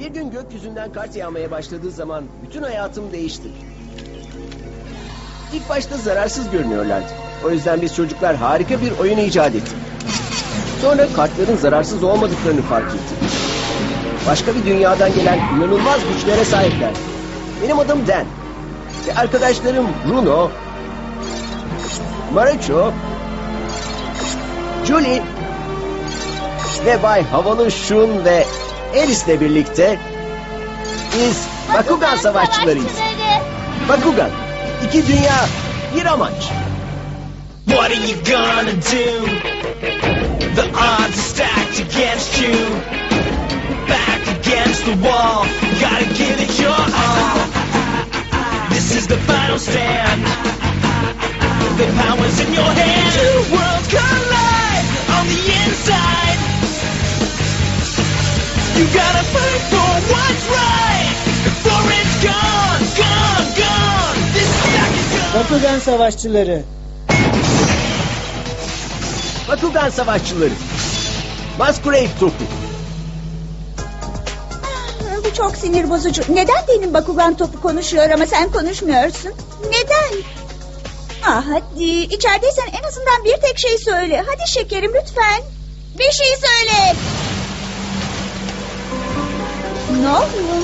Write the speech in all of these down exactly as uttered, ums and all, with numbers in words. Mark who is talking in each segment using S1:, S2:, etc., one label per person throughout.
S1: Bir gün gökyüzünden kar yağmaya başladığı zaman bütün hayatım değişti. İlk başta zararsız görünüyorlardı. O yüzden biz çocuklar harika bir oyun icat ettik. Sonra kartların zararsız olmadıklarını fark ettik. Başka bir dünyadan gelen inanılmaz güçlere sahipler. Benim adım Dan. Ve arkadaşlarım Bruno, Marucho, Julie ve Bay Havalı Şun ve Alice'le birlikte biz Bakugan Savaşçılarıyız. Bakugan, iki dünya, bir amaç.
S2: What are you gonna do? The odds are stacked against you. Back against the wall, gotta give it your all. This is the final stand. The power's in your hand. Two worlds collide on the inside. You gotta fight for what's right before it's gone, gone, gone. This stack is gone.
S3: Bakugan Savaşçıları.
S1: Bakugan Savaşçıları. Masquerade topu.
S4: Bu çok sinir bozucu. Neden benim Bakugan topu konuşuyor ama sen konuşmuyorsun? Neden? Ah hadi. İçerideysen en azından bir tek şey söyle. Hadi şekerim lütfen. Bir şey söyle. Ne oluyor?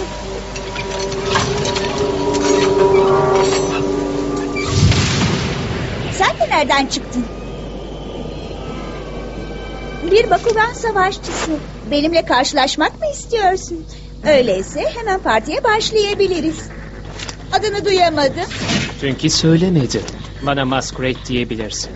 S4: Sen de nereden çıktın? Bir Bakugan savaşçısı. Benimle karşılaşmak mı istiyorsun? Öyleyse hemen partiye başlayabiliriz. Adını duyamadım.
S5: Çünkü söylemedi. Bana Masquerade diyebilirsin.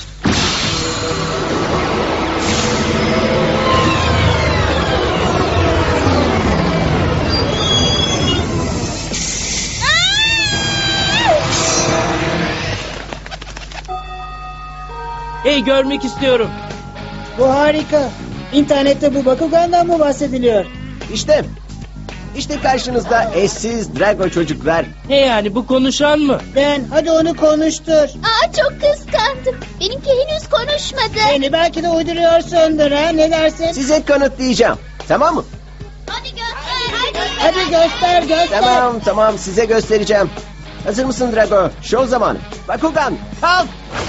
S3: Hey, görmek istiyorum. Bu harika. İnternette bu Bakugan'dan mı bahsediliyor?
S1: İşte, işte karşınızda eşsiz Drago çocuklar.
S3: Ne yani, bu konuşan mı? Ben, hadi onu konuştur.
S6: Aa, çok kıskandım. Benimki henüz konuşmadı.
S3: Beni belki de uyduruyorsundur ha, ne dersin?
S1: Size kanıtlayacağım. Tamam mı?
S6: Hadi göster. Hadi,
S3: Hadi göster, göster.
S1: Tamam, tamam, size göstereceğim. Hazır mısın Drago? Show zamanı. Bakugan, kalk!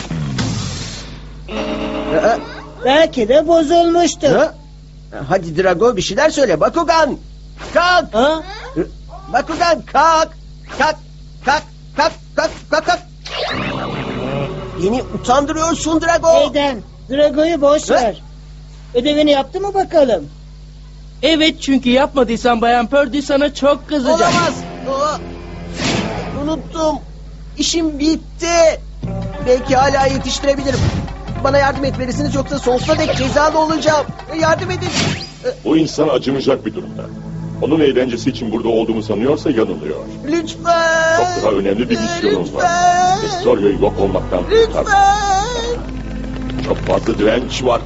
S1: Aa,
S3: Belki de bozulmuştur.
S1: ha? Hadi Drago, bir şeyler söyle. Bakugan, kalk!
S3: Ha?
S1: Bakugan, kalk! Kalk, kalk, kalk, kalk, kalk, kalk! Beni utandırıyorsun Drago.
S3: Neyden? Drago'yu boş
S1: Ha?
S3: ver. Ödevini yaptı mı bakalım?
S7: Evet, çünkü yapmadıysan Bayan Purdy sana çok kızacak.
S1: Olamaz. Aa, unuttum. İşim bitti. Belki hala yetiştirebilirim. Bana yardım etmelisiniz yoksa sonsuza dek cezalı olacağım. Yardım edin.
S8: Bu insan acımayacak bir durumda. Onun eğlencesi için burada olduğumu sanıyorsa yanılıyor.
S1: Lütfen.
S8: Çok daha önemli bir misyonum var.
S1: Lütfen.
S8: Vestorio'yu yok olmaktan kurtar.
S1: Lütfen.
S8: Çok fazla direnç var.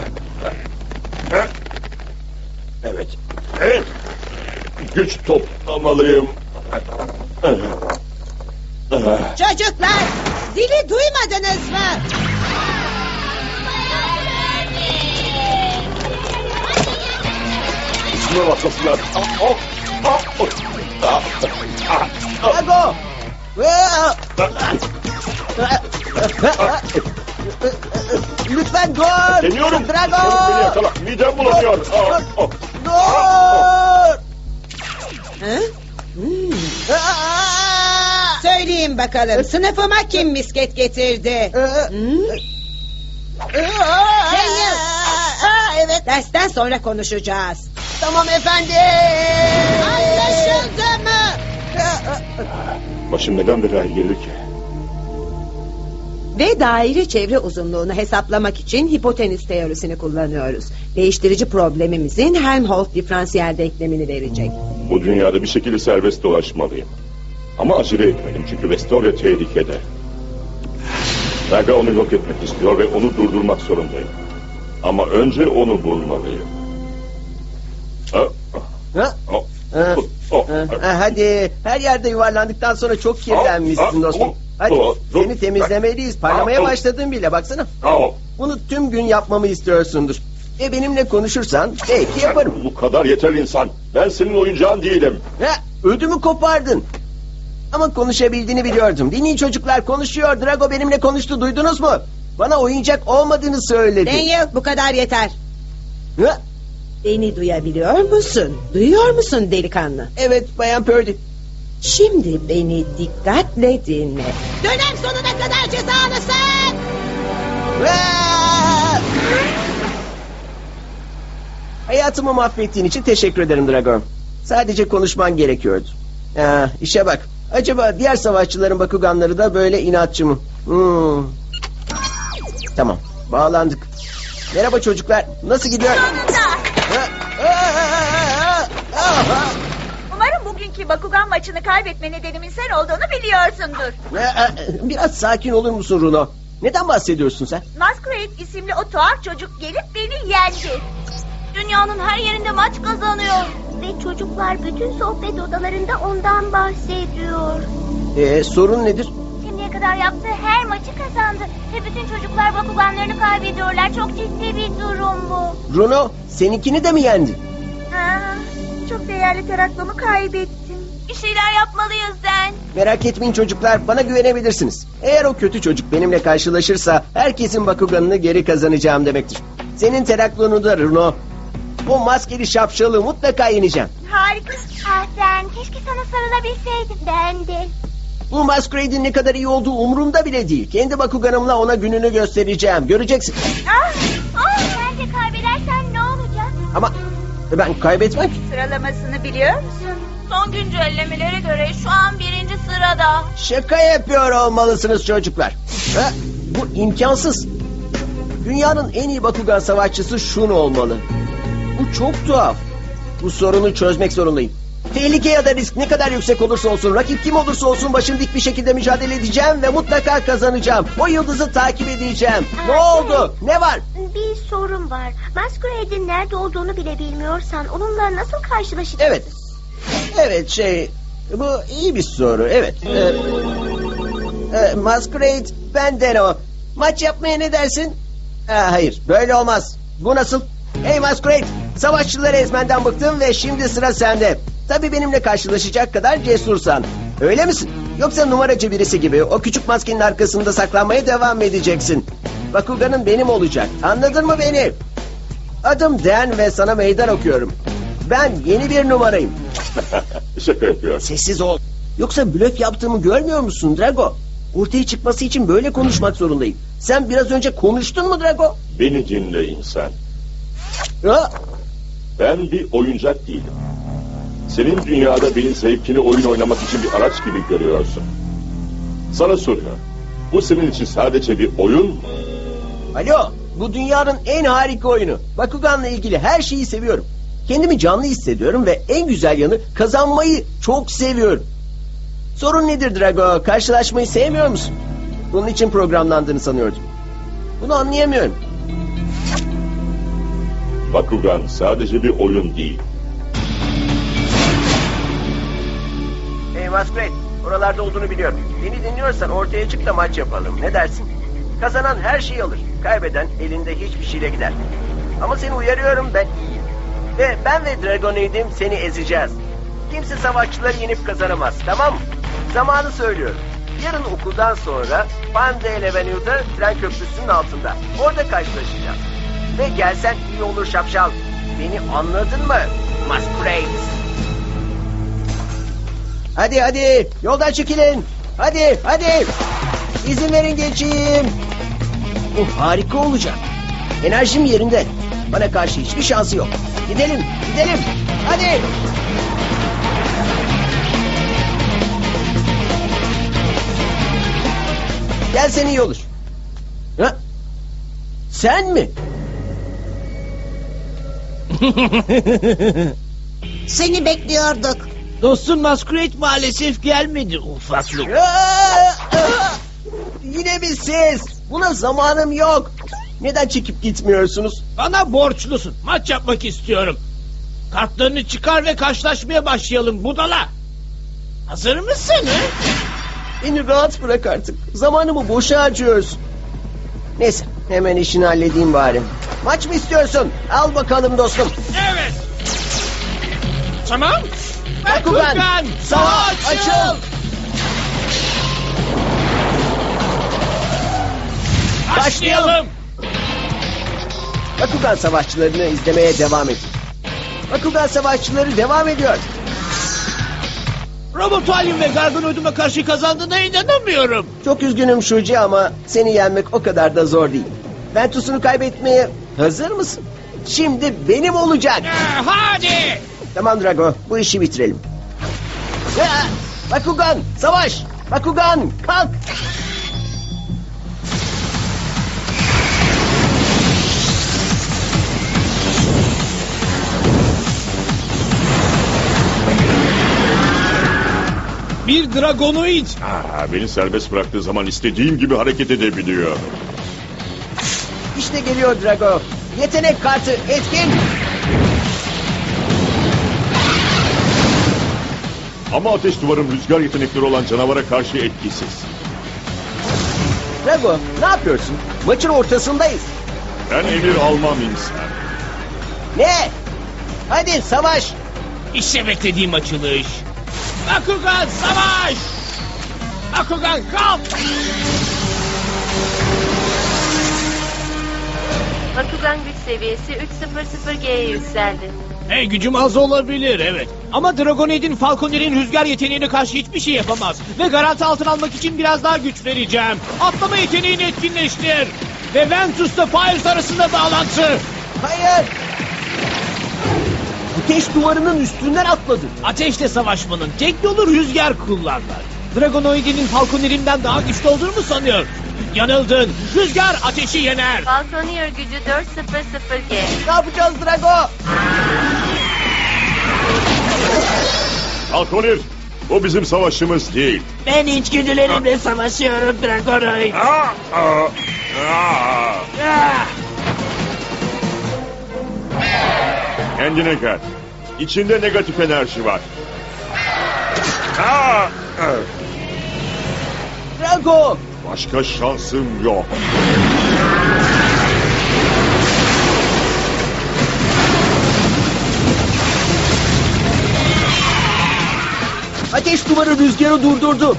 S8: Evet. Evet. Güç toplamalıyım.
S9: Çocuklar, zili duymadınız mı?
S8: Şuna bakmasınlar.
S1: Drago. Lütfen dur.
S8: Deniyorum.
S1: Drago.
S8: Çabuk beni yakala. Midem bulanıyor. Aa, aa.
S1: Dur.
S9: Hı?
S1: Aa!
S9: Söyleyin bakalım, sınıfıma kim misket getirdi?
S1: Aa!
S9: Daniel. Aa, evet. Dersten sonra konuşacağız.
S1: Tamam efendim.
S9: Anlaşıldı mı?
S8: Başım neden belaya girdi ki?
S9: Ve daire çevre uzunluğunu hesaplamak için hipotenüs teorisini kullanıyoruz. Değiştirici problemimizin Helmholtz diferansiyel denklemini verecek.
S8: Bu dünyada bir şekilde serbest dolaşmalıyım. Ama acele etmeliyim çünkü Vestoria tehlikede. Drago onu yok etmek istiyor ve onu durdurmak zorundayım. Ama önce onu bulmalıyım. Ha?
S1: Ha?
S8: Oh.
S1: Ha?
S8: Oh.
S1: Ha, hadi her yerde yuvarlandıktan sonra çok kirlenmişsin dostum. Hadi seni temizlemeliyiz. Parlamaya başladın bile baksana.
S8: Oh.
S1: Bunu tüm gün yapmamı istiyorsundur. Ve benimle konuşursan belki yaparım.
S8: Bu kadar yeter insan. Ben senin oyuncağın değilim.
S1: Ha, ödümü kopardın. Ama konuşabildiğini biliyordum. Dinleyin çocuklar, konuşuyor. Drago benimle konuştu, duydunuz mu? Bana oyuncak olmadığını söyledi.
S9: Daniel, bu kadar yeter.
S1: Ha?
S9: Beni duyabiliyor musun? Duyuyor musun delikanlı?
S1: Evet Bayan Purdy.
S9: Şimdi beni dikkatle dinle. Dönem sonuna kadar cezalısın.
S1: Aa! Hayatımı mahvettiğin için teşekkür ederim Dragon. Sadece konuşman gerekiyordu. Ha, işe bak. Acaba diğer savaşçıların Bakuganları da böyle inatçı mı? Hmm. Tamam, bağlandık. Merhaba çocuklar, nasıl gidiyor?
S4: Sonunda.
S1: Ha, aa, aa, aa, aa.
S4: Umarım bugünkü Bakugan maçını kaybetme nedenimin sen olduğunu biliyorsundur.
S1: Aa, Biraz sakin olur musun Runo? Neden bahsediyorsun sen?
S4: Masquerade isimli o tuhaf çocuk gelip beni yendi. Dünyanın her yerinde maç kazanıyor.
S6: Ve çocuklar bütün sohbet odalarında ondan bahsediyor.
S1: Ee, sorun nedir?
S6: Şimdiye kadar yaptığı her maçı kazandı. Ve bütün çocuklar Bakuganlarını kaybediyorlar. Çok ciddi bir durum bu.
S1: Runo, seninkini de mi yendi?
S4: Ha, çok değerli teraklomu kaybettim. Bir şeyler yapmalıyız Den.
S1: Merak etmeyin çocuklar, bana güvenebilirsiniz. Eğer o kötü çocuk benimle karşılaşırsa herkesin Bakuganını geri kazanacağım demektir. Senin teraklonu da Runo. O maskeli şapşalı mutlaka yeneceğim.
S4: Harikasın.
S6: Ah Den, keşke sana sarılabilseydim. Ben de.
S1: Bu Masquerade'in ne kadar iyi olduğu umurumda bile değil. Kendi Bakuganımla ona gününü göstereceğim. Göreceksin.
S4: Ah, ah.
S6: Sen de kaybedersen ne olacak?
S1: Ama ben kaybetmem ki.
S4: Sıralamasını biliyor musun? Son güncellemelere göre şu an birinci sırada.
S1: Şaka yapıyor olmalısınız çocuklar. Ha, bu imkansız. Dünyanın en iyi Bakugan savaşçısı Shun olmalı. Bu çok tuhaf. Bu sorunu çözmek zorundayım. Tehlike ya da risk ne kadar yüksek olursa olsun, rakip kim olursa olsun başım dik bir şekilde mücadele edeceğim ve mutlaka kazanacağım. O yıldızı takip edeceğim. Ne oldu? Ne var?
S6: Bir sorun var. Masquerade'in nerede olduğunu bile bilmiyorsan onunla nasıl karşılaşacaksın?
S1: Evet. Evet şey... Bu iyi bir soru. Evet. Ee, e, Masquerade benden o. Maç yapmaya ne dersin? Ha, hayır. Böyle olmaz. Bu nasıl? Hey Masquerade. Savaşçıları ezmenden bıktım ve şimdi sıra sende. Tabii benimle karşılaşacak kadar cesursan. Öyle misin? Yoksa numaracı birisi gibi o küçük maskenin arkasında saklanmaya devam edeceksin. Bakugan'ın benim olacak. Anladın mı beni? Adım Dan ve sana meydan okuyorum. Ben yeni bir numarayım.
S8: Şaka yapıyor.
S1: Sessiz ol. Yoksa blöf yaptığımı görmüyor musun Drago? Ortaya çıkması için böyle konuşmak zorundayım. Sen biraz önce konuştun mu Drago?
S8: Beni dinle insan.
S1: Ha?
S8: Ben bir oyuncak değilim. Senin dünyada benim zevkini oyun oynamak için bir araç gibi görüyorsun. Sana soruyorum. Bu senin için sadece bir oyun mu?
S1: Alo, bu dünyanın en harika oyunu. Bakugan'la ilgili her şeyi seviyorum. Kendimi canlı hissediyorum ve en güzel yanı kazanmayı çok seviyorum. Sorun nedir Drago? Karşılaşmayı sevmiyor musun? Bunun için programlandığını sanıyordum. Bunu anlayamıyorum.
S8: Bakugan sadece bir oyun değil.
S1: Hey Masquerade, oralarda olduğunu biliyorum. Beni dinliyorsan ortaya çık da maç yapalım. Ne dersin? Kazanan her şeyi alır. Kaybeden elinde hiçbir şeyle gider. Ama seni uyarıyorum, ben iyiyim. Ve ben ve Dragonade'im seni ezeceğiz. Kimse savaşçıları yenip kazanamaz, tamam mı? Zamanı söylüyorum. Yarın okuldan sonra Pandale Avenue'da tren köprüsünün altında. Orada karşılaşacağız. Ve gelsen iyi olur şapşal. Beni anladın mı? Masquerade. Hadi hadi yoldan çekilin. Hadi hadi. İzin verin geçeyim. Bu harika olacak. Enerjim yerinde. Bana karşı hiçbir şansı yok. Gidelim gidelim. Hadi. Gelsen iyi olur. Ha? Sen mi?
S3: Seni bekliyorduk.
S7: Dostun Masquerade maalesef gelmedi ufaklık.
S1: Aa, aa! Yine mi siz? Buna zamanım yok. Neden çekip gitmiyorsunuz?
S7: Bana borçlusun. Maç yapmak istiyorum. Kartlarını çıkar ve karşılaşmaya başlayalım budala. Hazır mısın? He?
S1: Beni rahat bırak artık. Zamanımı boşa harcıyorsun. Neyse hemen işini halledeyim bari. Maç mı istiyorsun? Al bakalım dostum.
S7: Evet. Tamam.
S1: Bakugan, savaş açıl.
S7: Başlayalım.
S1: Bakugan savaşçılarını izlemeye devam edin. Bakugan savaşçıları devam ediyor.
S7: Robotualium ve Gargonoid'uma karşı kazandığına inanamıyorum.
S1: Çok üzgünüm Shuji ama seni yenmek o kadar da zor değil. Ventus'unu kaybetmeye hazır mısın? Şimdi benim olacak.
S7: Ee, hadi.
S1: Tamam Drago, bu işi bitirelim. Ya, Bakugan, savaş! Bakugan, kalk!
S7: Bir Dragonoid.
S8: Aa, beni serbest bıraktığı zaman istediğim gibi hareket edebiliyor.
S1: İşte geliyor Drago. Yetenek kartı etkin.
S8: Ama ateş duvarım rüzgar yetenekleri olan canavara karşı etkisiz.
S1: Drago, ne yapıyorsun? Maçın ortasındayız.
S8: Ben emir almam insan.
S1: Ne? Hadi savaş!
S7: İşte beklediğim açılış. Bakugan savaş! Bakugan kalk!
S10: Bakugan güç seviyesi üç yüz G'ye yükseldi.
S7: Hey, gücüm az olabilir evet. Ama Dragonoid'in Falconer'in rüzgar yeteneğine karşı hiçbir şey yapamaz. Ve garanti altına almak için biraz daha güç vereceğim. Atlama yeteneğini etkinleştir. Ve Ventus'la Fires arasında bağlantı.
S1: Hayır! Ateş duvarının üstünden atladı.
S7: Ateşle savaşmanın tek yolu rüzgar kullanmak. Dragonoid'in Falconer'inden daha güçlü olduğunu mu sanıyor? Yanıldın. Rüzgar ateşi yener.
S10: Falconer gücü dört yüz G.
S1: Ne yapacağız Drago?
S8: Falconer, bu bizim savaşımız değil.
S3: Ben içgüdülerimle savaşıyorum Dragonoid.
S8: Aa, aa, aa.
S3: Ah!
S8: Kendine gel. İçinde negatif enerji var. Aa, aa.
S1: Drago!
S8: Başka şansım yok.
S1: Ateş duvarı rüzgarı durdurdu.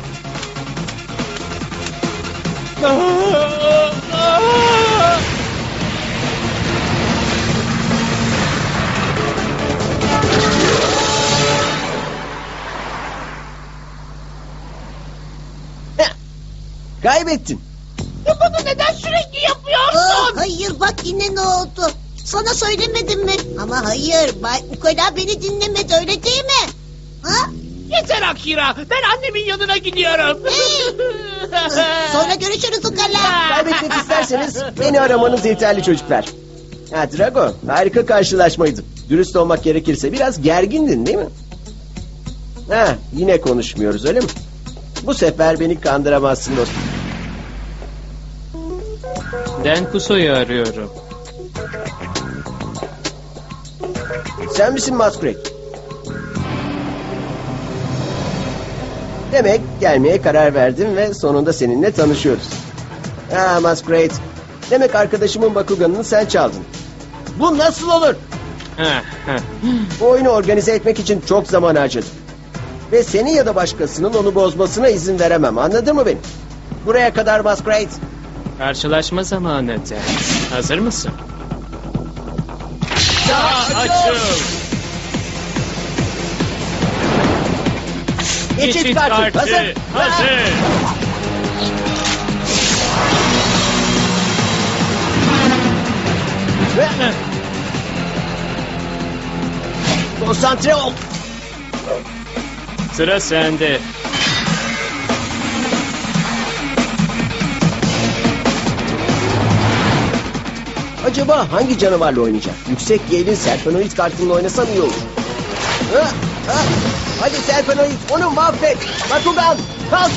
S1: Heh, kaybettin.
S3: Bunu neden sürekli yapıyorsun? hayır bak yine ne oldu? Sana söylemedim mi? Ama hayır Bay Ukala beni dinlemedi öyle değil mi? Ha?
S7: Yeter Akira. Ben annemin yanına gidiyorum.
S3: Sonra görüşürüz Ukala.
S1: Kaybetmek isterseniz beni aramanız yeterli çocuklar. Ha Drago, harika karşılaşmaydı. Dürüst olmak gerekirse biraz gergindin değil mi? Ha, yine konuşmuyoruz öyle mi? Bu sefer beni kandıramazsın dostum.
S5: Dan Kuso'yu arıyorum.
S1: Sen misin Masquerade? Demek gelmeye karar verdim ve sonunda seninle tanışıyoruz. Ha Masquerade, demek arkadaşımın Bakugan'ını sen çaldın. Bu nasıl olur?
S5: Heh, heh.
S1: Bu oyunu organize etmek için çok zaman harcadım. Ve seni ya da başkasının onu bozmasına izin veremem. Anladın mı beni? Buraya kadar Masquerade.
S5: Karşılaşma zamanı Dan. Hazır mısın?
S7: Açıl.
S1: Geçit kartı. Hazır.
S7: Hazır.
S1: Ve- Konsantre ol.
S5: Sıra sende.
S1: Acaba hangi canavarla oynayacak? Yüksek Gale'in Serpenoid kartıyla oynasam iyi olur. Ha, ha. Hadi Serpenoid, onu mahvet. Bakugan, kalk.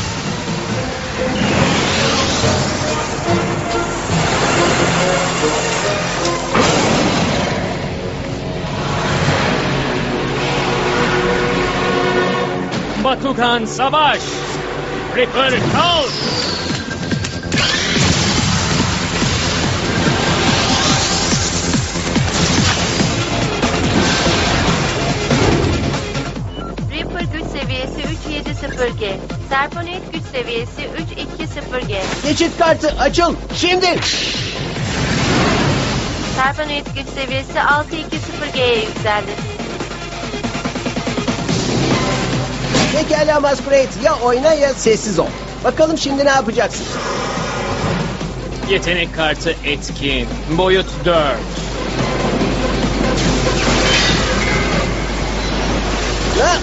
S5: Bakugan savaş! Reaper kalk!
S10: sıfır G. Serponoid güç seviyesi üç iki sıfır G.
S1: Geçit kartı açıl şimdi.
S10: Serponoid güç seviyesi altı iki sıfır G'ye yükseldi.
S1: Pekala Masquerade, ya oyna ya sessiz ol. Bakalım şimdi ne yapacaksın?
S5: Yetenek kartı etkin. Boyut dört.
S1: Ha?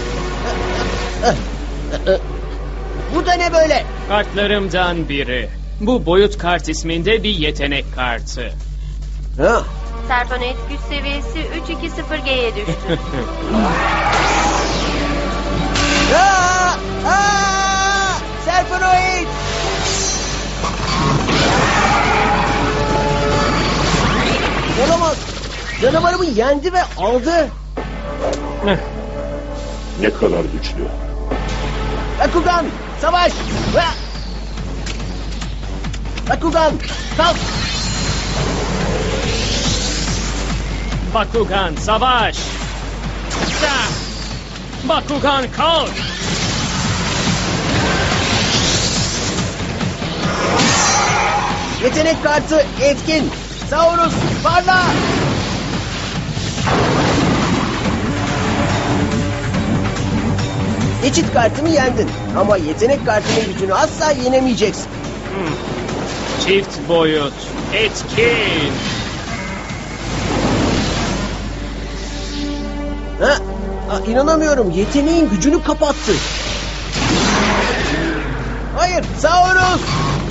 S1: Bu da ne böyle?
S5: Kartlarımdan biri. Bu boyut kart isminde bir yetenek kartı.
S1: Ha?
S10: Serponoid güç seviyesi üç iki sıfır G'ye düştü.
S1: Aa! Aa! Serponoid! Olamaz. Canavarımı yendi ve aldı.
S8: Ne kadar güçlü.
S1: Bakugan, savaş! Ha! Bakugan, kalk!
S5: Bakugan savaş. Da! Bakugan kalk.
S1: Yetenek kartı etkin. Saurus, parla! Geçit kartımı yendin. Ama yetenek kartının gücünü asla yenemeyeceksin.
S5: Çift boyut etkin.
S1: Ha? Aa, inanamıyorum. Yeteneğin gücünü kapattı. Hayır, Saurus!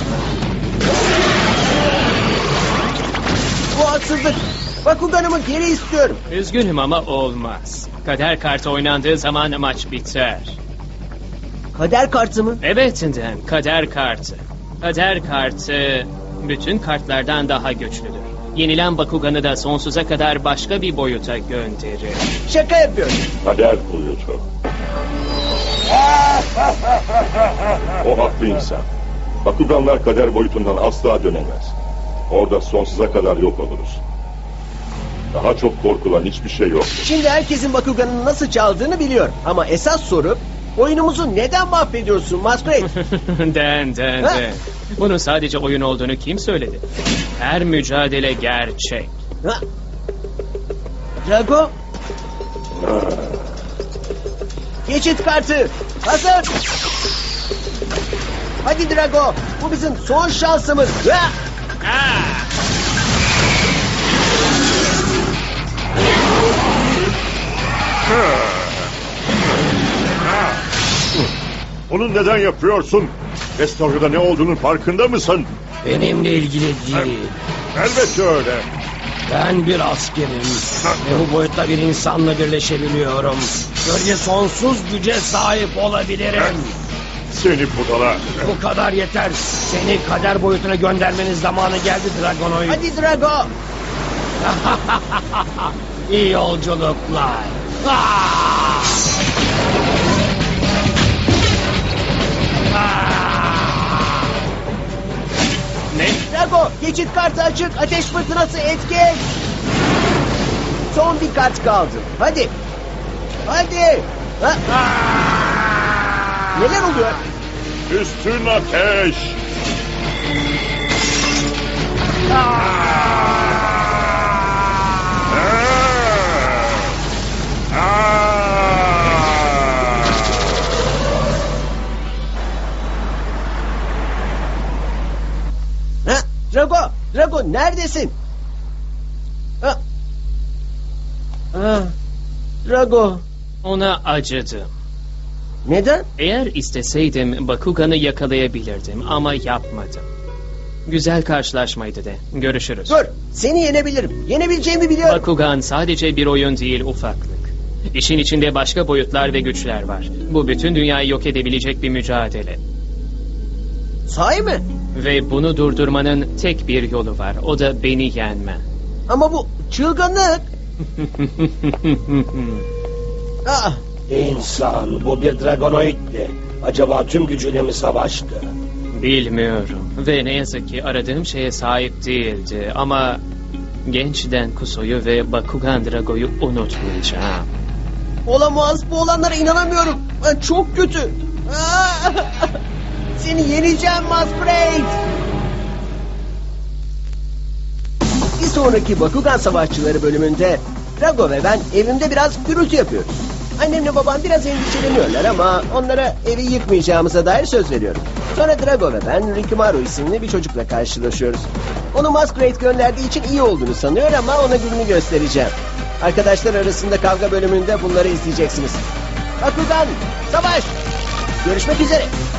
S1: Bu haksızlık. Bakuganımı geri istiyorum.
S5: Üzgünüm ama olmaz. Kader kartı oynandığı zaman maç biter.
S1: Kader kartı mı?
S5: Evet Dan, kader kartı. Kader kartı bütün kartlardan daha güçlüdür. Yenilen Bakugan'ı da sonsuza kadar başka bir boyuta gönderir.
S1: Şaka yapıyorum.
S8: Kader boyutu. O haklı insan. Bakuganlar kader boyutundan asla dönemez. Orada sonsuza kadar yok oluruz. Daha çok korkulan hiçbir şey yok.
S1: Şimdi herkesin Bakugan'ın nasıl çaldığını biliyor. Ama esas soru, oyunumuzu neden mahvediyorsun Masquerade?
S5: Dan, Dan,
S1: Ha?
S5: Dan. Bunun sadece oyun olduğunu kim söyledi? Her mücadele gerçek.
S1: Ha? Drago, geçit kartı hazır. Hadi Drago, bu bizim son şansımız. Ha?
S5: Ah!
S8: Bunu neden yapıyorsun? Restorada ne olduğunun farkında mısın?
S11: Benimle ilgili değil.
S8: Elbette öyle.
S11: Ben bir askerim ve bu boyutta bir insanla birleşebiliyorum. Böylece sonsuz güce sahip olabilirim.
S8: Seni budala.
S11: Bu kadar yeter. Seni kader boyutuna göndermenin zamanı geldi Dragonoid.
S1: Hadi Drago.
S11: İyi yolculuklar. Ah! Ah!
S5: Ne?
S1: Drago, geçit kartı açık, ateş fırtınası etkin. Son bir kart kaldı. Hadi. Hadi. Ha? Neler oluyor?
S8: Üstün ateş.
S1: Ha? Drago, Drago neredesin? Ha? Ha? Drago.
S5: Ona acıdım.
S1: Neden?
S5: Eğer isteseydim Bakugan'ı yakalayabilirdim ama yapmadım. Güzel karşılaşmaydı de. Görüşürüz.
S1: Dur, seni yenebilirim. Yenebileceğimi biliyorum.
S5: Bakugan sadece bir oyun değil, ufaklık. İşin içinde başka boyutlar ve güçler var. Bu bütün dünyayı yok edebilecek bir mücadele.
S1: Sahi mi?
S5: Ve bunu durdurmanın tek bir yolu var. O da beni yenmen.
S1: Ama bu çılgınlık. Aa,
S11: İnsan, bu bir Dragonoid'di. Acaba tüm gücüyle mi savaştı?
S5: Bilmiyorum. Ve ne yazık ki aradığım şeye sahip değildi. Ama genç Denkuso'yu ve Bakugan Drago'yu unutmayacağım.
S1: olamaz. Bu olanlara inanamıyorum. Ben çok kötü. Seni yeneceğim Masquerade. Bir sonraki Bakugan Savaşçıları bölümünde Drago ve ben evimde biraz gürültü yapıyoruz. Annemle babam biraz endişeleniyorlar ama onlara evi yıkmayacağımıza dair söz veriyorum. Sonra Drago ve ben Rikimaru isimli bir çocukla karşılaşıyoruz. Onu Masquerade gönderdiği için iyi olduğunu sanıyor ama ona gününü göstereceğim. Arkadaşlar arasında kavga bölümünde bunları izleyeceksiniz. Bakugan, savaş! Görüşmek üzere.